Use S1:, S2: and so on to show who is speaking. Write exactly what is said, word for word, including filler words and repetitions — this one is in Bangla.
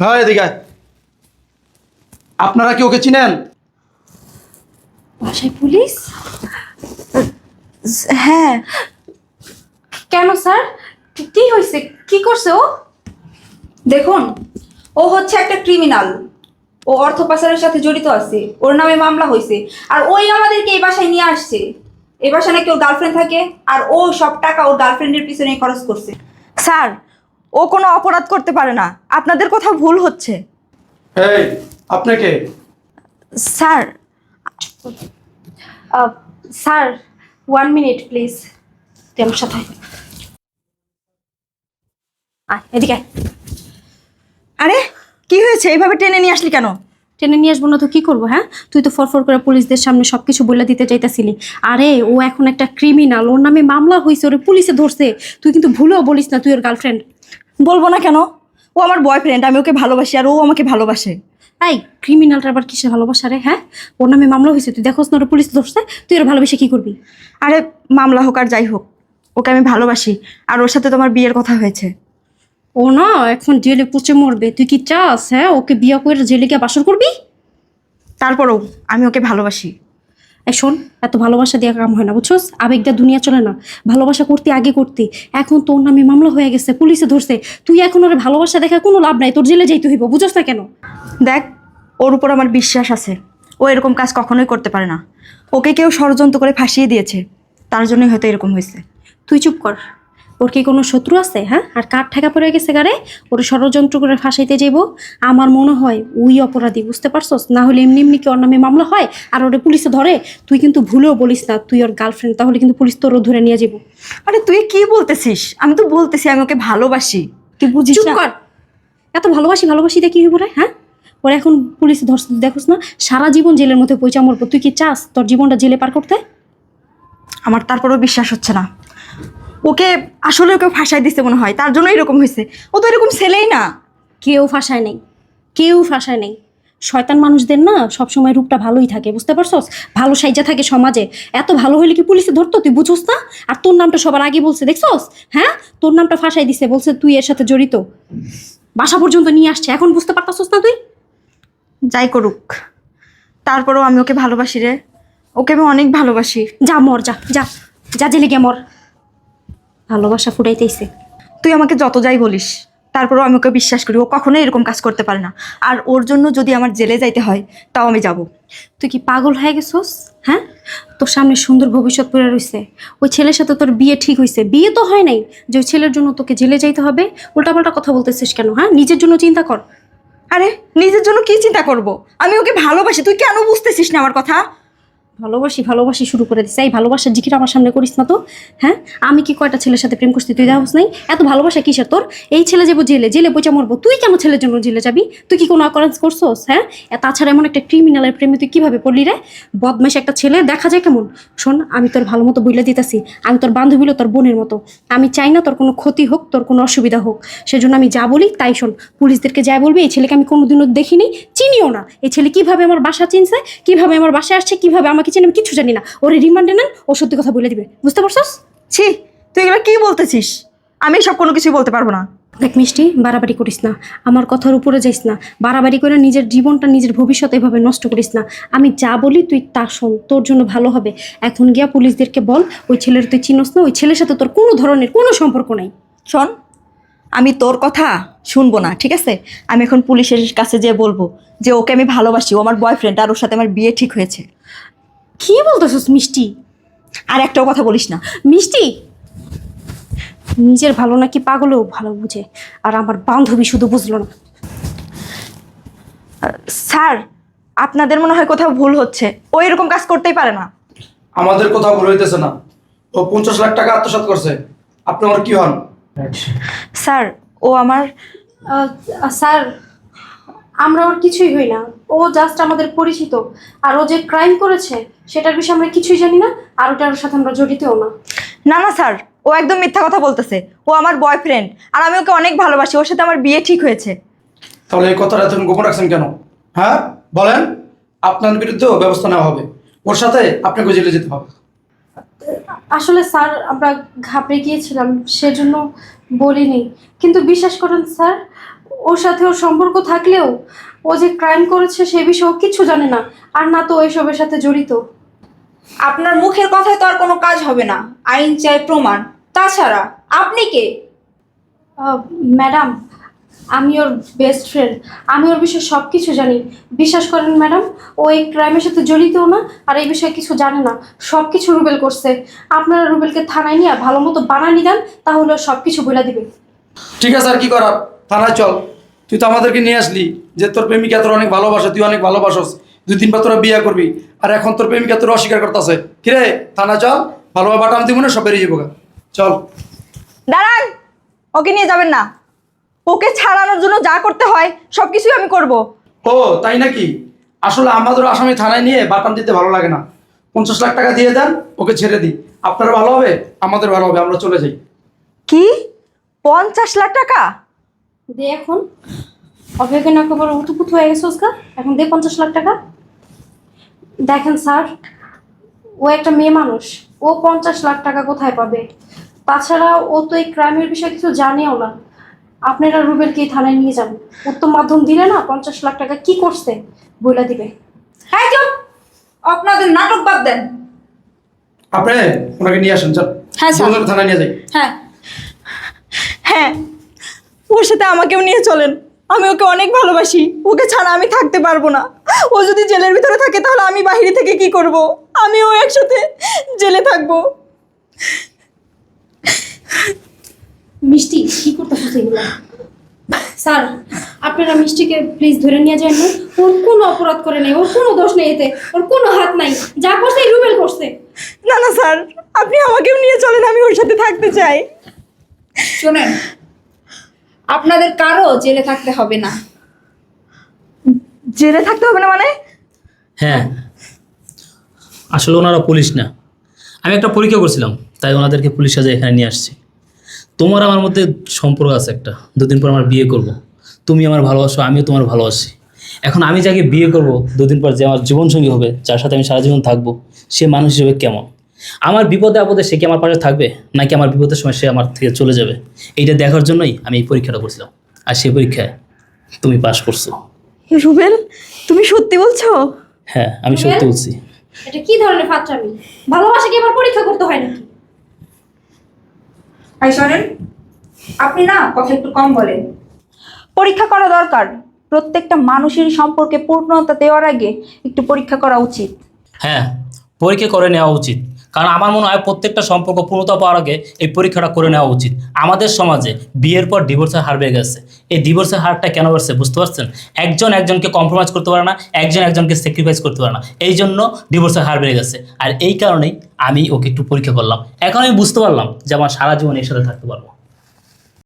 S1: হ্যাঁ এদিকে আয়। আপনারা কি ওকে চিনেন?
S2: বাসায় পুলিশ?
S3: হ্যাঁ।
S2: কেন স্যার, কি হয়েছে? কি করছে ও?
S4: দেখুন, ও হচ্ছে একটা ক্রিমিনাল। ও অর্থ পাচারের সাথে জড়িত আছে, ওর নামে মামলা হয়েছে। আর ওই আমাদেরকে এই বাসায় নিয়ে আসছে। এই বাসায় নাকি ওর গার্লফ্রেন্ড থাকে, আর ও সব টাকা ওর গার্লফ্রেন্ডের পিছনে খরচ করছে।
S3: স্যার, ও কোনো অপরাধ করতে পারে না, আপনাদের কোথাও ভুল হচ্ছে।
S1: এই আপনাকে
S3: sir.
S2: Ah, sir, one minute please. তুই আমার সাথে আয়। আয়, এদিকে আয়।
S3: আরে কি হয়েছে, এইভাবে টেনে নিয়ে আসলি কেন?
S2: টেনে নিয়ে আসবো না তো কি করবো? হ্যাঁ, তুই তো ফরফর করে পুলিশদের সামনে সবকিছু বলে দিতে চাইতেছিলি। আরে ও এখন একটা ক্রিমিনাল, ওর নামে মামলা হয়েছে, ওরে পুলিশে ধরছে। তুই কিন্তু ভুলেও বলিস না তুই ওর গার্লফ্রেন্ড।
S3: বলবো না কেন? ও আমার বয়ফ্রেন্ড, আমি ওকে ভালোবাসি আর ও আমাকে ভালোবাসে।
S2: এই ক্রিমিনালটা আবার কিসে ভালোবাসা রে? হ্যাঁ, ওর নামে মামলা হয়েছে, তুই দেখোস না ওর পুলিশ ধরছে, তুই ওর ভালোবেসে কি করবি?
S3: আরে মামলা হোক আর যাই হোক, ওকে আমি ভালোবাসি আর ওর সাথে তোমার বিয়ের কথা হয়েছে।
S2: ও না এখন জেলে পচে মরবে, তুই কি চাস হ্যাঁ ওকে বিয়ে করে জেলে গিয়ে বাসর করবি?
S3: তারপরেও আমি ওকে ভালোবাসি।
S2: এই শোন, এত ভালোবাসা দিয়ে কাম হয় না, বুঝছোস? আবেগটা দুনিয়া চলে না। ভালোবাসা করতে আগে করতে, এখন তোর নামে মামলা হয়ে গেছে, পুলিশে ধরছে, তুই এখন ওর ভালোবাসা দেখা কোনো লাভ নাই, তোর জেলে যাইতে হইব, বুঝোস না কেন?
S3: দেখ, ওর উপর আমার বিশ্বাস আছে, ও এরকম কাজ কখনোই করতে পারে না। ওকে কেউ ষড়যন্ত্র করে ফাঁসিয়ে দিয়েছে, তার জন্যই হয়তো এরকম হয়েছে।
S2: তুই চুপ কর। ওর কি কোনো শত্রু আছে? হ্যাঁ, আর কার ঠেকা পড়ে গেছে গারে ওর ষড়যন্ত্র করে ফাঁসাইতে যাইব? আমার মনে হয় ওই অপরাধী, বুঝতে পারছস? না হলে এমনি এমনি কি ওর নামে মামলা হয় আর ওরে পুলিশে ধরে? তুই কিন্তু ভুলেও বলিস না তুই ওর গার্লফ্রেন্ড, তাহলে কিন্তু পুলিশ তোরও ধরে নিয়ে যাবো।
S3: আরে তুই কি বলতেছিস? আমি তো বলতেছি আমি ওকে ভালোবাসি, তুই বুঝিস
S2: চুপ
S3: না?
S2: কর। এত ভালোবাসি ভালোবাসি দিয়ে কি হইব রে? হ্যাঁ, ওরা এখন পুলিশে ধরছে, দেখোস না সারা জীবন জেলের মধ্যে পয়সা মরবো। তুই কি চাস তোর জীবনটা জেলে পার করতে?
S3: আমার তারপরেও বিশ্বাস হচ্ছে না। ওকে আসলে ওকে ফাঁসাই দিচ্ছে মনে হয়, তার জন্য এরকম হয়েছে। ও তো এরকম ছেলেই না।
S2: কেউ ফাঁসায় নেই, কেউ ফাঁসায় নেই। শয়তান মানুষদের না সবসময় রূপটা ভালোই থাকে, বুঝতে পারছস? ভালো সাইজা থাকে সমাজে। এত ভালো হইলে কি পুলিশে ধরতো? তুই বুঝোস না? আর তোর নামটা সবার আগে বলছে, দেখছস? হ্যাঁ, তোর নামটা ফাঁসাই দিছে, বলছে তুই এর সাথে জড়িত। বাসা পর্যন্ত নিয়ে আসছে, এখন বুঝতে পারতাছস না তুই?
S3: যাই করুক, তারপরেও আমি ওকে ভালোবাসি রে। ওকে আমি অনেক ভালোবাসি।
S2: যা মর, যা যা যা জেলে গিয়ে মর। ভালোবাসা ফুটাইতেইছে।
S3: তুই আমাকে যত যাই বলিস, তারপরেও আমি ওকে বিশ্বাস করি, ও কখনোই এরকম কাজ করতে পারে না। আর ওর জন্য যদি আমার জেলে যাইতে হয় তাও আমি যাব।
S2: তুই কি পাগল হয়ে গেছস? হ্যাঁ, তোর সামনে সুন্দর ভবিষ্যৎ পড়ে রইছে। ওই ছেলের সাথে তোর বিয়ে ঠিক হয়েছে, বিয়ে তো হয় নাই যে ওই ছেলের জন্য তোকে জেলে যাইতে হবে। উল্টাপাল্টা কথা বলতেছিস কেন? হ্যাঁ, নিজের জন্য চিন্তা কর।
S3: আরে নিজের জন্য কি চিন্তা করব? আমি ওকে ভালোবাসি, তুই কেন বুঝতেছিস না আমার কথা?
S2: ভালোবাসি ভালোবাসি শুরু করে দিছে। এই ভালোবাসার জিকির আমার সামনে করিস না তো। হ্যাঁ, আমি কি কয়টা ছেলের সাথে প্রেম করছি তুই দেখাস নাই? এত ভালোবাসা কিসের তোর? এই ছেলে যাবো জেলে, জেলে পয়সা মরবো, তুই কেন ছেলের জন্য জেলে যাবি? তুই কি কোনো অকারেন্স করছোস? হ্যাঁ, এ তাছাড়া এমন একটা ক্রিমিনালের প্রেমে তুই কিভাবে পড়লি রে? বদমাইশ একটা ছেলে, দেখা যায় কেমন। শোন, আমি তোর ভালো মতো বইলে দিতেছি, আমি তোর বান্ধবী হলো তোর বোনের মতো। আমি চাই না তোর কোনো ক্ষতি হোক, তোর কোনো অসুবিধা হোক। সেজন্য আমি যা বলি তাই শোন। পুলিশদেরকে যাই বলবি এই ছেলেকে আমি কোনোদিনও দেখিনি, চিনিও না। এই ছেলে কিভাবে আমার বাসা চিনছে, কিভাবে আমার বাসায় আসছে, কিভাবে আমাকে চিনে, আমি কিছু জানি না। ওরে রিমান্ডে নেন, ও সত্যি কথা বলে দিবে, বুঝতে পারছস?
S3: ছি, তুই এগুলো কি বলতেছিস? আমি সব কোনো কিছুই বলতে পারবো না।
S2: দেখ মিষ্টি, বাড়াবাড়ি করিস না, আমার কথার উপরে যাইস না। বাড়াবাড়ি করে নিজের জীবনটা, নিজের ভবিষ্যৎ এভাবে নষ্ট করিস না। আমি যা বলি তুই তা শোন, তোর জন্য ভালো হবে। এখন গিয়া পুলিশদেরকে বল ওই ছেলের তুই চিনস না, ওই ছেলের সাথে তোর কোনো ধরনের কোনো সম্পর্ক নাই।
S3: শোন, আমি তোর কথা শুনবো না, ঠিক আছে? আমি এখন পুলিশের কাছে যেয়ে বলবো যে ওকে আমি ভালোবাসি, ও আমার বয়ফ্রেন্ড আর ওর সাথে আমার বিয়ে ঠিক হয়েছে।
S2: কি বলতেছস মিষ্টি?
S3: আর একটাও কথা বলিস না।
S2: মিষ্টি নিজের ভালো নাকি পাগলেও ভালো বুঝে, আর আমার বান্ধবী শুধু বুঝলো না।
S3: স্যার, আপনাদের মনে হয় কোথাও ভুল হচ্ছে, ও এরকম কাজ করতেই পারে না।
S1: আমাদের কোথাও ভুল হইতেছে না। ও পঞ্চাশ লাখ টাকা আত্মসাৎ করছে। আপনি আমার কি হন?
S3: স্যার, ও আমার
S2: স্যার, আমরা ওর কিছুই হই না, ও জাস্ট আমাদের পরিচিত। আর ও যে ক্রাইম করেছে সেটার বিষয়ে আমরা কিছুই জানি না, আর ওটার সাথে আমরা জড়িতও না।
S3: না না স্যার, ও একদম মিথ্যা কথা বলতেছে। ও আমার বয়ফ্রেন্ড আর আমি ওকে অনেক ভালোবাসি, ওর সাথে আমার বিয়ে ঠিক হয়েছে।
S1: তাহলে এই কথাটা এতক্ষণ গোপন রাখছেন কেন? হ্যাঁ বলেন, আপনার বিরুদ্ধেও ব্যবস্থা নেওয়া হবে, ওর সাথে আপনাকে জেলে যেতে হবে।
S2: আসলে স্যার আমরা ঘাবড়ে গিয়েছিলাম, সেজন্য বলিনি। কিন্তু বিশ্বাস করেন স্যার, ওর সাথে ওর সম্পর্ক থাকলেও ও যে ক্রাইম করেছে সে বিষয়ে ও কিচ্ছু জানে না, আর না তো এসবের সাথে জড়িত।
S4: আপনার মুখের কথায় তো আর কোনো কাজ হবে না, আইন চাই প্রমাণ। তাছাড়া আপনি কে?
S2: আহ, ম্যাডাম, আমি ওর বেস্ট ফ্রেন্ড, আমি ওর বিষয়ে সব কিছু জানি। বিশ্বাস করেন ম্যাডাম, ও এই ক্রাইমের সাথে জড়িতও না, আর এই বিষয়ে কিছু জানে না। সব কিছু রুবেল করছে। আপনারা রুবেলকে থানায় নিয়ে ভালো মতো বানানি দেন, তাহলে ও সব কিছু বলে দিবে।
S1: ঠিক আছে, আর কি করার, থানায় চল। তুই তো আমাদেরকে নিয়ে আসলি যে তোর প্রেমিকা তোর অনেক ভালোবাসে, তুই অনেক ভালোবাসস, দুই দিন পর তোরা বিয়ে করবি, আর এখন তোর প্রেমিকা তোর অস্বীকার করতেছে। কিরে, থানা চল, ভালোভাবে বাটাম দিব না, সব বেরিয়ে যাবো গা। চল।
S3: দাঁড়ান, ওকে নিয়ে যাবেন না। ওকে ছাড়ানোর জন্য যা করতে হয় সব কিছুই আমি করব।
S1: ও তাই নাকি? আসলে আমাদের আসামি থানায় নিয়ে বাটাম দিতে ভালো লাগে না। পঞ্চাশ লাখ টাকা দিয়ে দেন, ওকে ছেড়ে দিই। আপনার ভালো হবে, আমাদের ভালো হবে, আমরা চলে যাই।
S3: কি পঞ্চাশ লাখ টাকা?
S2: দে এখন, অভয়কে না খবর উতুপুত হয়ে গেছে ওসকা, এখন দে পঞ্চাশ লাখ টাকা। দেখেন স্যার, ও একটা মেয়ে মানুষ, ও পঞ্চাশ লাখ টাকা কোথায় পাবে? তাছাড়া ও তো এই ক্রাইমের বিষয়ে কিছু জানেও না। আপনারা রুবেলকে থানায় নিয়ে যান, উত্তম মাধ্যম দিলে না পঞ্চাশ লাখ টাকা কি করছে বলে দিবে।
S4: হ্যাঁ চুপ, আপনাদের নাটক বাদ দেন।
S1: আপনি ওনাকে নিয়ে আসেন, চল।
S4: হ্যাঁ, স্যার।
S1: দুজনে থানায় নিয়ে যাই।
S4: হ্যাঁ,
S3: হ্যাঁ, ওর সাথে আমাকেও নিয়ে চলেন। আমি ওকে অনেক ভালোবাসি, ওকে ছাড়া আমি থাকতে পারবো না। ও যদি জেলের ভিতরে থাকে তাহলে আমি বাইরে থেকে কি করব? আমিও একসাথে জেলে থাকবো।
S2: মিষ্টি কি করতেছো সেগুলো? স্যার, আপনারা মিষ্টিকে প্লিজ ধরে নিয়ে যান না। ওর কোনো অপরাধ করে নেই, ওর কোনো দোষ নেই, এতে ওর কোনো হাত নাই। যা করছে এই রুবেল করছে।
S3: না না স্যার, আপনি আমাকেও নিয়ে চলেন, আমি ওর সাথে থাকতে চাই।
S4: শোনেন, আপনাদের কারো জেলে থাকতে হবে না।
S3: জেলে থাকতে হবে না মানে?
S5: হ্যাঁ, আসলে ওনারা পুলিশ না, আমি একটা পরীক্ষা করছিলাম, তাই ওনাদেরকে পুলিশ সাজে এখানে নিয়ে আসছি। তোমার আমার মধ্যে সম্পর্ক আছে একটা, দুদিন পর আমার বিয়ে করব। তুমি আমার ভালোবাসো, আমিও তোমার ভালোবাসি। এখন আমি যাকে বিয়ে করব, দুদিন পর যে আমার জীবনসঙ্গী হবে, যার সাথে আমি সারা জীবন থাকবো, সে মানুষ হিসেবে কেমন? আমার বিপদে আপদে সে কি আমার পাশে থাকবে, নাকি আমার বিপদের সময় সে আমার থেকে চলে যাবে? এইটা দেখার জন্যই আমি এই পরীক্ষাটা করছিলাম, আর সেই পরীক্ষায় তুমি পাশ করছো।
S3: রুবেল, তুমি সত্যি বলছো?
S5: হ্যাঁ, আমি সত্যি বলছি।
S2: এটা কি ধরনের ফাত্রামি? ভালোবাসা কি আবার পরীক্ষা করতে হয় নাকি?
S4: ভাই শোনেন, আপনি না কথা একটু কম বলেন। পরীক্ষা করা দরকার, প্রত্যেকটা মানুষের সম্পর্কে পূর্ণতা দেওয়ার আগে একটু পরীক্ষা করা উচিত।
S5: হ্যাঁ, পরীক্ষা করে নেওয়া উচিত, কারণ আমার মনে হয় প্রত্যেকটা সম্পর্ক পূর্ণতা পাওয়ার আগে এই পরীক্ষাটা করে নেওয়া উচিত। আমাদের সমাজে বিয়ের পর ডিভোর্সের হার বেড়ে গেছে। এই ডিভোর্সের হারটা কেন বাড়ছে বুঝতে পারছেন? একজন একজনকে কম্প্রোমাইজ করতে পারে না, একজন একজনকে স্যাক্রিফাইস করতে পারে না, এই জন্য ডিভোর্সের হার বেড়ে গেছে। আর এই কারণেই আমি ওকে একটু পরীক্ষা করলাম, এখন আমি বুঝতে পারলাম যে আমার সারা জীবন এর সাথে থাকতে পারবো।